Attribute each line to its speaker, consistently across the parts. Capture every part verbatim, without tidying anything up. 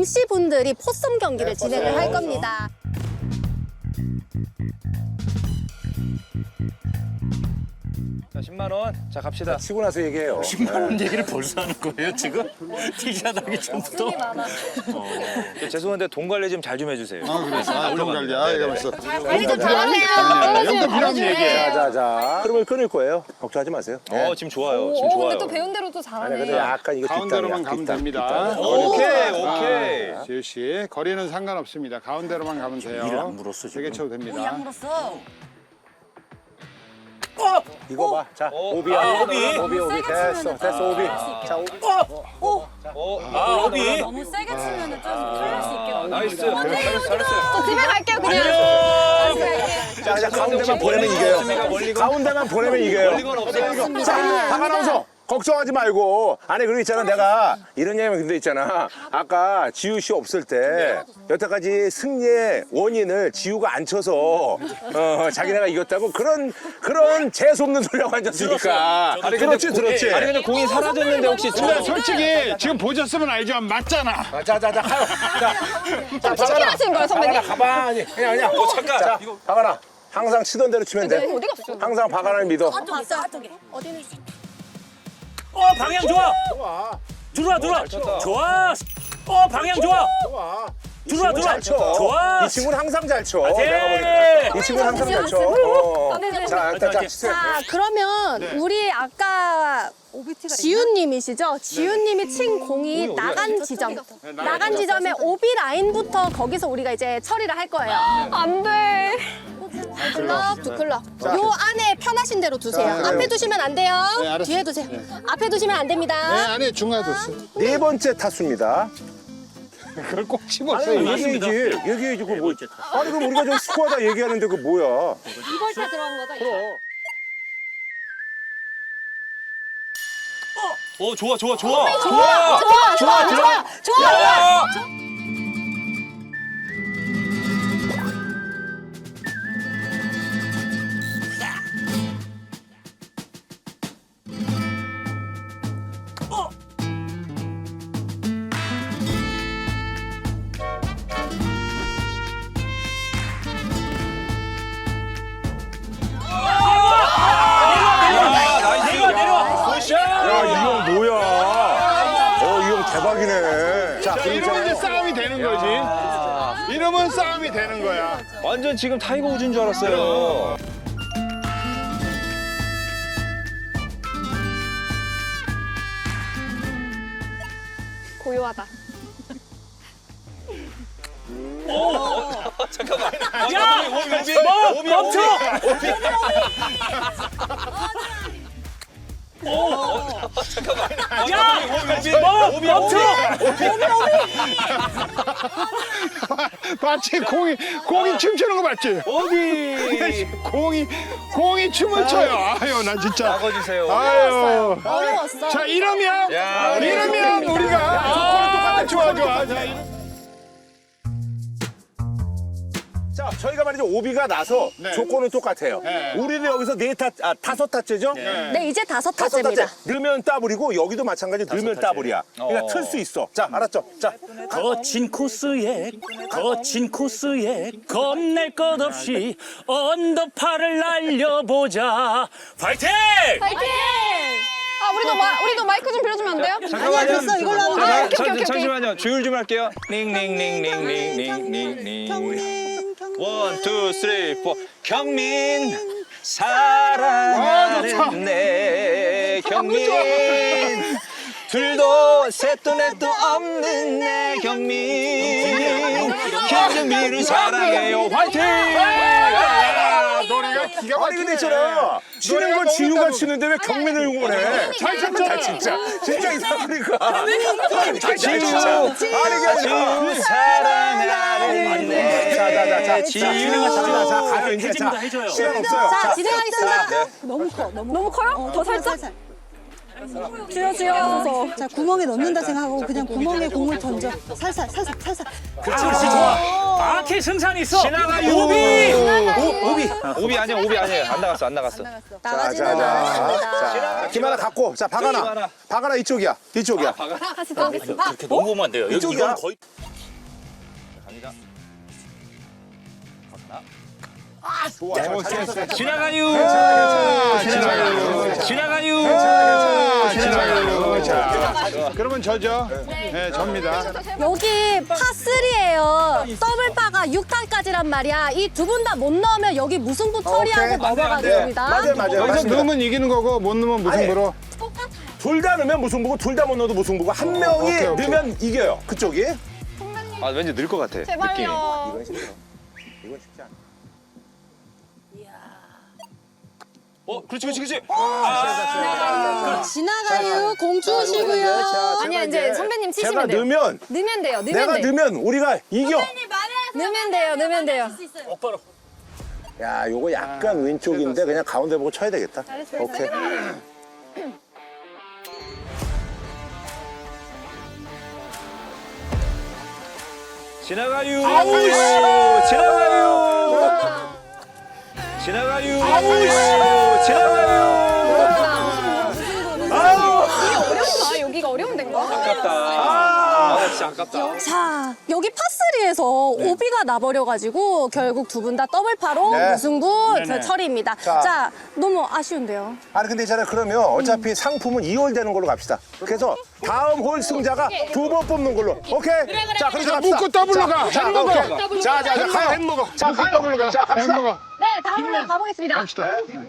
Speaker 1: 엠씨분들이 포섬 경기를 진행을 할 겁니다.
Speaker 2: 자, 십만 원. 자, 갑시다.
Speaker 3: 치고 나서 얘기해요.
Speaker 4: 십만 원 얘기를 벌써 하는 거예요, 지금? 티샷 하기 전부터?
Speaker 2: 저 죄송한데 돈 관리 좀 잘 좀 해주세요.
Speaker 5: 아, 그래서 아, 돈 관리. 아, 이거 벌써.
Speaker 1: 관리 좀 잘하세요.
Speaker 5: 영도 필요한 얘기예요.
Speaker 3: 자, 자, 자. 흐름을 끊을 거예요. 걱정하지 마세요.
Speaker 2: 어, 지금 좋아요. 지금
Speaker 1: 오,
Speaker 2: 좋아요.
Speaker 1: 근데 또 배운 대로 또
Speaker 3: 아니,
Speaker 1: 잘하네.
Speaker 3: 근데 약간 이거
Speaker 5: 가운데로만
Speaker 3: 뒷땅이야,
Speaker 5: 가면
Speaker 3: 뒷땅,
Speaker 5: 됩니다.
Speaker 3: 뒷땅.
Speaker 2: 오케이, 오케이.
Speaker 5: 아, 지우 씨, 거리는 상관없습니다. 가운데로만 가면 돼요.
Speaker 4: 일을 안 물었어, 지금.
Speaker 5: 세게 쳐도 됩니다.
Speaker 3: 이거 봐. 자,
Speaker 2: 어,
Speaker 3: 오비야.
Speaker 2: 아, 오비.
Speaker 3: 오비, 오비. 됐어, 됐어, 오비. 자, 오비.
Speaker 2: 어, 아, 오비.
Speaker 6: 너무 세게 치면 좀 털릴 수 있겠다.
Speaker 2: 나이스. 잘했어, 잘했어요.
Speaker 1: 저 집에 갈게요, 그냥.
Speaker 3: 자, 자, 가운데만 보내면 이겨요. 가운데만 보내면 이겨요.
Speaker 2: 멀리건 없어요.
Speaker 3: 자, 박아나운서 걱정하지 말고. 아니, 그리고 있잖아. 내가 이런 얘기하면 근데 있잖아. 아까 지우 씨 없을 때 여태까지 승리의 원인을 지우가 안 쳐서 어, 자기네가 이겼다고 그런 그런 재수없는 소리하고 앉았으니까. 아니, 그렇지, 들었지.
Speaker 2: 아니, 근데 공이 사라졌는데 혹시
Speaker 5: 근데
Speaker 2: 저...
Speaker 5: 솔직히 지금 보셨으면 알지만 맞잖아.
Speaker 3: 아, 자, 자, 자, 가요. 자, 자, 박아나.
Speaker 1: 치킨하신 거예요, 선배님?
Speaker 3: 박아나, 가만히. 그냥, 그냥.
Speaker 2: 어, 잠깐.
Speaker 3: 자, 박아나. 항상 치던 대로 치면 돼.
Speaker 1: 어디 갔어?
Speaker 3: 항상 박아나를 믿어.
Speaker 6: 봤어, 저쪽에.
Speaker 1: 어디는
Speaker 4: 어, 방향 좋아! 들어와, 들어와!
Speaker 2: 쳤다.
Speaker 4: 좋아! 어, 방향 좋아!
Speaker 3: 좋아.
Speaker 4: 들어와, 들어와!
Speaker 3: 잘 쳐.
Speaker 4: 좋아!
Speaker 3: 이 친구는 항상 잘 쳐.
Speaker 4: 화이팅!
Speaker 3: 내가 보니까. 이 친구는 항상 잘 쳐. 어.
Speaker 1: 네, 네.
Speaker 3: 자, 일단 자, 치세요.
Speaker 1: 자, 그러면 우리 아까 지훈님이시죠? 지훈님이 친 공이 나간 지점. 나간 지점에 오비 라인부터 거기서 우리가 이제 처리를 할 거예요. 안 돼. 클럽, 두 클럽. 요 안에 편하신 대로 두세요.
Speaker 3: 자,
Speaker 1: 앞에
Speaker 3: 그래요.
Speaker 1: 두시면 안 돼요.
Speaker 5: 네, 알았어요.
Speaker 1: 뒤에 두세요. 앞에 두시면 안
Speaker 5: 네,
Speaker 1: 됩니다.
Speaker 5: 안에 중간에 뒀어요.
Speaker 3: 네 번째 타수입니다.
Speaker 5: 그걸 꼭
Speaker 3: 아니,
Speaker 5: 집었어요.
Speaker 3: 얘기해야지. 얘기해야지. 그거 뭐. 아니, 그럼 우리가 좀 스코어다 얘기하는데 그거 뭐야.
Speaker 1: 이벌 타 들어간 거다. 이거.
Speaker 2: 어, 좋아, 좋아, 좋아.
Speaker 1: 좋아, 좋아, 좋아, 좋아, 좋아, 좋아.
Speaker 4: 내려와, 내려와!
Speaker 3: 야, 이 형 뭐야. 어, 이 형 대박이네. 자,
Speaker 5: 자, 이러면 이제 싸움이 되는 거지. 이러면 싸움이 되는 거야.
Speaker 2: 완전 지금 타이거 우즈인 줄 알았어요.
Speaker 1: 고요하다.
Speaker 2: 잠깐만.
Speaker 4: 야! 멈! 멈춰! 야! 멈! 멈춰!
Speaker 5: 봤지? 공이, 공이 춤추는 거 봤지?
Speaker 2: 오비.
Speaker 5: 공이, 공이 춤을 춰요. 아유, 나 진짜.
Speaker 2: 나가주세요.
Speaker 5: 아유.
Speaker 1: 어려웠어.
Speaker 5: 자, 이러면,
Speaker 2: 야,
Speaker 5: 이러면 우리가. 아, 좋아, 좋아. 자, 이러-
Speaker 3: 자, 저희가 말이죠. 오비가 나서
Speaker 5: 네.
Speaker 3: 조건은 똑같아요.
Speaker 5: 네.
Speaker 3: 우리는 여기서 네 타, 아, 다섯 타째죠?
Speaker 1: 네, 이제 다섯
Speaker 3: 다섯
Speaker 1: 타째입니다.
Speaker 3: 타째. 넣으면 더블이고 여기도 마찬가지 넣으면 더블이야. 그러니까
Speaker 2: 어.
Speaker 3: 틀 수 있어. 자, 알았죠? 자,
Speaker 4: 거친 코스에 거친 코스에 겁낼 것 없이 언더파를 날려보자. 파이팅!
Speaker 1: 파이팅! 아, 우리도 마, 우리도 마이크 좀 빌려주면 안 돼요?
Speaker 2: 잠깐만요.
Speaker 6: 됐어, 이걸로 하면 돼.
Speaker 1: 아,
Speaker 2: 자,
Speaker 1: 오케이,
Speaker 2: 자,
Speaker 1: 오케이, 오케이.
Speaker 2: 잠시만요. 조율 좀 할게요. 링링링링링링링링.
Speaker 6: 경민, 경민.
Speaker 2: 원, 투, 쓰리, 포. 경민
Speaker 5: 아,
Speaker 2: 사랑하는 내 경민. 둘도 셋도 넷도 없는 내 경민. 경민을 사랑해요. 화이팅!
Speaker 5: 아, 노래가 기가 막히네.
Speaker 3: 아니 근데 있잖아. 치는 건 지우가 치는데 왜 경민을 응원해?
Speaker 5: 잘 쳤잖아.
Speaker 3: 아, 진짜. 진짜 이상하니까. 잘
Speaker 2: 지우,
Speaker 3: 진짜. 아니 그게 아니라.
Speaker 2: 지우 사랑하는 내
Speaker 3: 자, 자, 자, 자,
Speaker 2: 지우.
Speaker 3: 자, 진행하자. 자, 가요 이제.
Speaker 4: 해줍니다,
Speaker 3: 자,
Speaker 4: 해줘요.
Speaker 3: 시간 없어요.
Speaker 1: 자, 진행하겠습니다.
Speaker 2: 네.
Speaker 6: 너무 커, 너무,
Speaker 1: 너무 커요? 더 살짝?
Speaker 6: 살살.
Speaker 1: 쥐어, 쥐어.
Speaker 6: 자, 구멍에 넣는다 생각하고 그냥 구멍에 공을 던져. 살살, 살살, 살살.
Speaker 4: 그렇지, 그렇지, 좋아. 아케 승산 있어.
Speaker 2: 지나가요.
Speaker 4: 오비!
Speaker 2: 오, 오비. 오비 아니야, 오비 아니에요. 안 나갔어, 안 나갔어.
Speaker 3: 자,
Speaker 1: 나가지는
Speaker 3: 자, 자.
Speaker 1: 않았습니다.
Speaker 3: 자, 김하나 갖고. 자, 박하나.
Speaker 2: 김하나.
Speaker 3: 박하나 이쪽이야. 이쪽이야.
Speaker 1: 같이 들어오겠습니다.
Speaker 4: 그렇게 너무 보면 안 돼요. 여기
Speaker 3: 이쪽이야.
Speaker 4: 이건 거의
Speaker 2: 갑니다.
Speaker 3: 아, 좋아. 잘 찾았어.
Speaker 2: 지나가요.
Speaker 5: 지나가요.
Speaker 2: 지나가요.
Speaker 5: 지나가요. 자, 그러면 저죠? 네, 접니다.
Speaker 1: 여기 파삼이에요. 더블파가 육 탄까지란 말이야. 이 두 분 다 못 넣으면 여기 무승부 처리하고
Speaker 3: 오케이.
Speaker 1: 넘어가는
Speaker 3: 네.
Speaker 1: 겁니다.
Speaker 3: 맞아요, 맞아요.
Speaker 5: 여기서
Speaker 3: 맞습니다.
Speaker 5: 넣으면 이기는 거고 못 넣으면 무승부로.
Speaker 3: 둘 다 넣으면 무승부고 둘 다 못 넣어도 무승부고 한 명이
Speaker 5: 오케이, 오케이.
Speaker 3: 넣으면 이겨요. 그쪽이.
Speaker 2: 아 왠지 늘 것 같아. 느낌이.
Speaker 1: 제발요.
Speaker 3: 이건 쉽죠. 이건 쉽지 않아.
Speaker 2: 어 그렇지 그렇지 그렇지.
Speaker 6: 지나가요. 공 주시고요.
Speaker 1: 아니야, 이제 선배님 치시면
Speaker 3: 제가
Speaker 1: 돼요.
Speaker 3: 넣으면
Speaker 1: 넣으면 돼요. 넣으면
Speaker 3: 내가
Speaker 1: 돼.
Speaker 3: 넣으면 우리가 이겨.
Speaker 1: 넣으면 돼요. 넣으면 돼요.
Speaker 3: 야, 요거 약간 왼쪽인데 그냥 가운데 보고 쳐야 되겠다. 오케이.
Speaker 2: 지나가요. 아우 지나가요. 지나가요. 아우 지나가요.
Speaker 3: 아우!
Speaker 1: 어렵다. 여기가 어려운 데인가?
Speaker 2: 아깝다. 아 진짜 아깝다.
Speaker 1: 자, 여기 파삼에서 오비가 나버려가지고 결국 두 분 다 더블파로
Speaker 3: 네.
Speaker 1: 무승부 그 처리입니다.
Speaker 3: 자.
Speaker 1: 자, 너무 아쉬운데요.
Speaker 3: 아니 근데 있잖아요. 그러면 어차피 상품은 이 홀 되는 걸로 갑시다. 그래서 다음 홀 승자가 두 번 뽑는 걸로. 오케이? 자, 그렇게
Speaker 5: 자,
Speaker 3: 갑시다.
Speaker 5: 묶고 더블로 가.
Speaker 3: 자,
Speaker 5: 햄버거.
Speaker 3: 오케이. 자, 자, 자, 가요.
Speaker 5: 햄버거.
Speaker 3: 자,
Speaker 5: 묶고
Speaker 3: 가요.
Speaker 5: 더블로 가.
Speaker 3: 자, 갑시다.
Speaker 5: 햄버거.
Speaker 1: 네, 다음으로 가보겠습니다.
Speaker 5: 갑시다.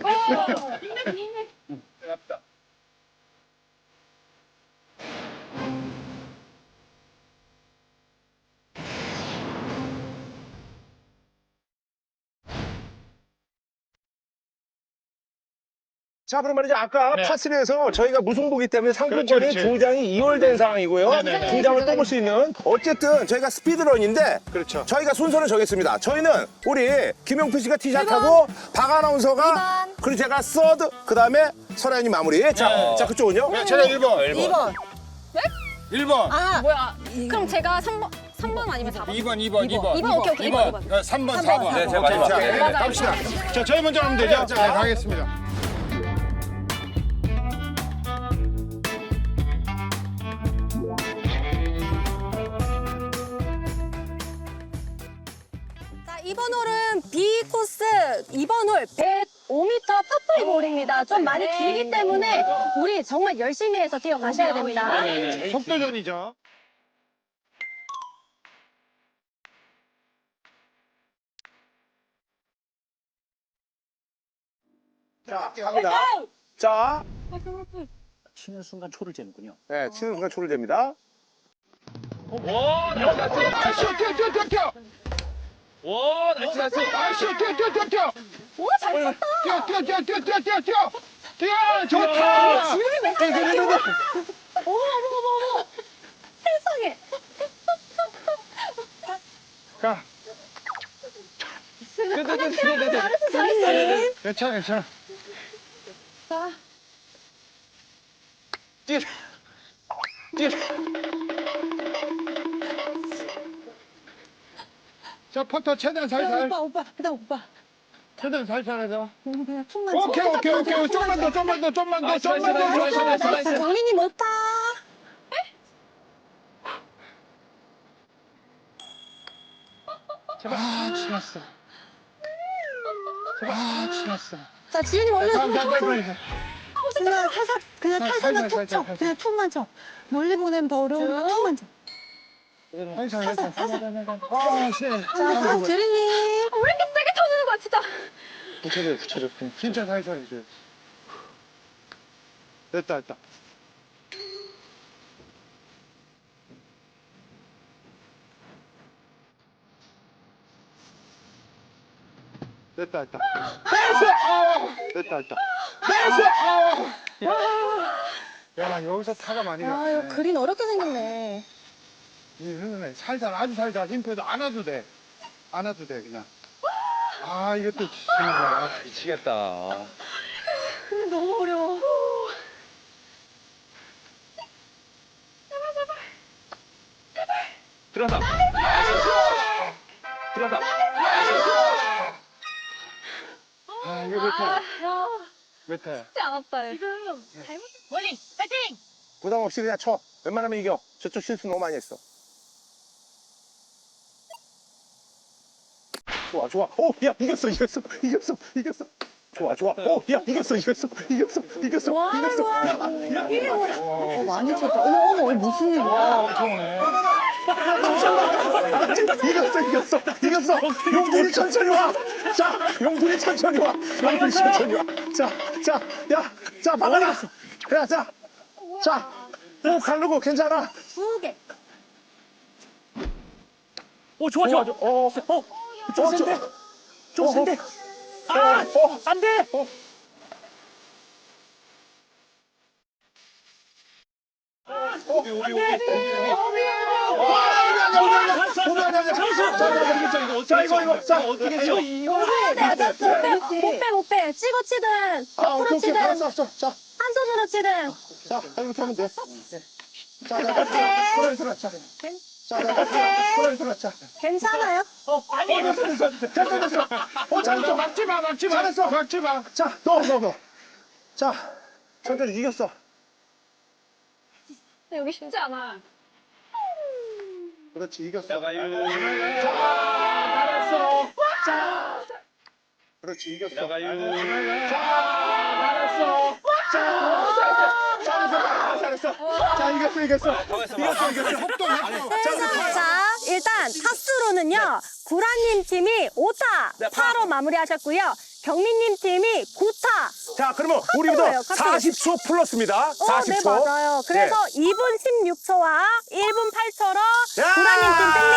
Speaker 3: 자, 그럼 말이죠. 아까
Speaker 5: 네.
Speaker 3: 파삼에서 저희가 무승부기 때문에 상품권이
Speaker 5: 그렇지, 그렇지.
Speaker 3: 두 장이 이 홀 된 상황이고요.
Speaker 5: 네네네.
Speaker 3: 두 장을 뽑을 수 있는. 어쨌든 저희가 스피드런인데
Speaker 5: 그렇죠.
Speaker 3: 저희가 순서를 정했습니다. 저희는 우리 김용필 씨가 티샷하고 박 아나운서가 그리고 제가 서드 그다음에 설아연이 마무리. 자, 자 그쪽은요?
Speaker 5: 네, 제가 일 번.
Speaker 6: 이 번.
Speaker 5: 일 번.
Speaker 1: 뭐야? 그럼 제가 삼 번, 삼 번 아니면 사 번?
Speaker 5: 이 번, 이 번, 이 번.
Speaker 1: 이 번, 오케이, 오케이,
Speaker 5: 이 번.
Speaker 1: 이 번.
Speaker 5: 어, 삼 번, 사 번.
Speaker 2: 네, 제가 마지막.
Speaker 5: 자,
Speaker 2: 네.
Speaker 1: 맞아요.
Speaker 5: 갑시다. 자, 저희 먼저 하면 되죠? 자, 가겠습니다.
Speaker 1: 자, 이번 홀은 B 코스 이번 홀 백오 미터 파프리 볼입니다. 좀 많이 길기 때문에 우리 정말 열심히 해서 뛰어가셔야 됩니다.
Speaker 5: 속도전이죠.
Speaker 3: 자, 갑니다. 자,
Speaker 4: 치는 순간 초를 재는군요.
Speaker 3: 네, 치는 순간 초를 잽니다.
Speaker 5: 와, 뛰어, 뛰어, 뛰어, 뛰어, 뛰어.
Speaker 2: 와 나이스 나이스.
Speaker 5: 아, 뛰어, 뛰어, 뛰어, 뛰어, 뛰어.
Speaker 1: 오, 잘 쳤다.
Speaker 5: 뛰어, 뛰어, 뛰어, 뛰어, 뛰어, 뛰어, 뛰어. 뛰어, 좋다.
Speaker 1: 어머, 어머, 어머, 어머. 세상에.
Speaker 5: 가. 괜찮아, 괜찮아.
Speaker 2: 뛰어. 뛰어.
Speaker 5: 자, 퍼터 최대한 살살.
Speaker 6: 오빠, 오빠, 그다음 오빠.
Speaker 5: 최대한 살살 해서.
Speaker 6: 너무 그냥 툭만
Speaker 5: 오케이, 오케이, 오케이. 좀만 더, 좀만 더, 좀만 더, 좀만 더.
Speaker 6: 정민이 못타.
Speaker 5: 아, 지났어. 아, 지났어.
Speaker 6: 자, 지윤이 원래
Speaker 5: 다음, 다음, 다음, 다음.
Speaker 6: 그냥 살살, 그냥
Speaker 5: 살살,
Speaker 6: 탈사만 툭
Speaker 5: 살살,
Speaker 6: 쳐.
Speaker 5: 살살.
Speaker 6: 그냥 툭만 쳐. 멀리 보내면 더 어려우니까 툭만 쳐.
Speaker 5: 살살, 살살, 살살. 아, 씨.
Speaker 6: 자, 주린이.
Speaker 1: 왜 이렇게 세게 쳐주는 거야, 진짜.
Speaker 5: 붙여줘, 붙여줘. 진짜 살살 해줘. 됐다, 됐다. 됐다, 됐다. 됐다, 됐다. 야, 나 여기서 타가 많이 나.
Speaker 6: 아, 이거 그린 어렵게 생겼네.
Speaker 5: 이 살살, 아주 살살. 힘 빼도 안 와도 돼. 안 와도 돼, 그냥. 아, 이것도 정말.
Speaker 2: 미치겠다.
Speaker 6: 근데 너무 어려워.
Speaker 2: 들어간다. 들어간다.
Speaker 5: 아, 이거 몇 타야? 몇 타야?
Speaker 1: 쉽지 않았다.
Speaker 3: 부담 없이 그냥 쳐. 웬만하면 이겨. 저쪽 실수 너무 많이 했어. 좋아, 좋아. 오, 야, 이겼어, 이겼어, 이겼어, 이겼어. 좋아, 좋아. 오, 야, 이겼어, 이겼어, 이겼어, 이겼어,
Speaker 1: 와,
Speaker 3: 이겼어.
Speaker 1: 와.
Speaker 3: 야, 야,
Speaker 6: 어, 많이 쳤다. 어머, 어머, 어머, 무슨 일이야?
Speaker 3: 이겼어, 이겼어, 이겼어. 용돈이 천천히 와. 자, 용돈이 천천히 와. 용돈이 천천히 와. 자, 자, 야, 자, 막아라. 야, 자, 자, 오, 가르고 괜찮아.
Speaker 1: 두 개.
Speaker 4: 오 좋아 좋아.
Speaker 3: 어, 어,
Speaker 4: 어, 좀 센데. 좀
Speaker 3: 어,
Speaker 4: 센데.
Speaker 3: 어, 어,
Speaker 4: 안 돼.
Speaker 3: 어. 자, 이거, 이거, 자, 어떻게 해요?
Speaker 1: 못 빼, 못 빼. 찍어 치든,
Speaker 3: 아,
Speaker 1: 옆으로
Speaker 3: 오케이, 오케이,
Speaker 1: 치든,
Speaker 3: 알았어, 알았어. 자,
Speaker 1: 한 손으로 치든.
Speaker 3: 자, 이렇게 하면 돼. 자, 자, 자, 소리 들어, 자. 자, 자, 자, 소리 들어, 자.
Speaker 1: 괜찮아요?
Speaker 3: 어, 됐어, 됐어, 됐어, 됐어. 어, 잘했어.
Speaker 5: 막지 마, 막지 마.
Speaker 3: 잘했어.
Speaker 5: 막지 마.
Speaker 3: 자, 너, 너, 너. 자, 천천히 이겼어.
Speaker 1: 여기 쉽지 않아.
Speaker 3: 그렇지, 이겼어.
Speaker 5: 잘했어.
Speaker 3: 그렇지, 이겼어.
Speaker 5: 잘했어.
Speaker 3: 잘했어, 잘했어. 자, 이겼어, 이겼어. 이겼어, 이겼어.
Speaker 5: 속도 했어.
Speaker 1: 자, 일단 타수로는요, 구라님 팀이 오 타,
Speaker 3: 네,
Speaker 1: 파로 마무리하셨고요. 경민님 팀이 구 타.
Speaker 3: 자, 그러면 우리부터
Speaker 1: 카트예요, 카트.
Speaker 3: 사십 초 플러스입니다.
Speaker 1: 어,
Speaker 3: 사십 초.
Speaker 1: 네, 맞아요. 그래서 이 분 십육 초와 일 분 팔 초로
Speaker 3: 야!
Speaker 1: 구라님 팀 승리!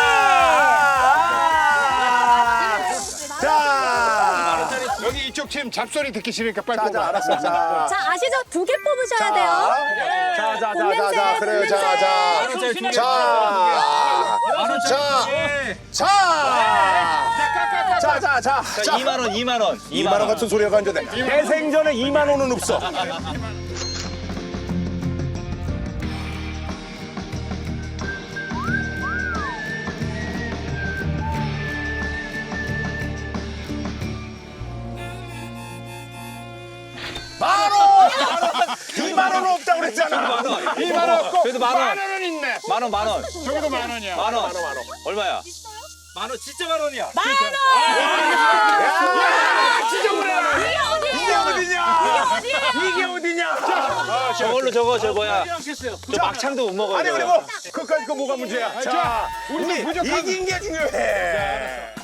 Speaker 3: 아! 자,
Speaker 5: 여기 이쪽 팀 잡소리 듣기 싫으니까 빨리
Speaker 3: 자, 자,
Speaker 5: 뽑아.
Speaker 3: 알았어. 자,
Speaker 1: 자, 아시죠? 두 개 뽑으셔야 돼요.
Speaker 3: 자, 자, 자, 자,
Speaker 1: 봄냄새,
Speaker 3: 자, 그래요. 자, 자.
Speaker 2: 자,
Speaker 3: 자, 자, 자, 자, 자, 자, 자,
Speaker 2: 이만 원, 이만 원.
Speaker 3: 이만 원 같은 소리가 안 되네. 대생전에 이만 원은 없어. 만 원! 이만 원은 없다고 그랬잖아.
Speaker 5: 이만 원 없고
Speaker 2: 그래도 만 원.
Speaker 5: 만 원은 있네.
Speaker 2: 만 원, 만 원.
Speaker 5: 저기도 만 원이야.
Speaker 2: 만 원.
Speaker 3: 만 원, 만 원.
Speaker 2: 얼마야? 만 원, 진짜 만 원이야.
Speaker 3: 야, 진짜 그래. 이게 어디냐? 이게 어디냐?
Speaker 2: 저걸로 저거 저 뭐야? 저 막창도 못 먹어요.
Speaker 3: 아니 그리고 그까지 그 뭐가 문제야? 자, 우리 이긴 게 중요해.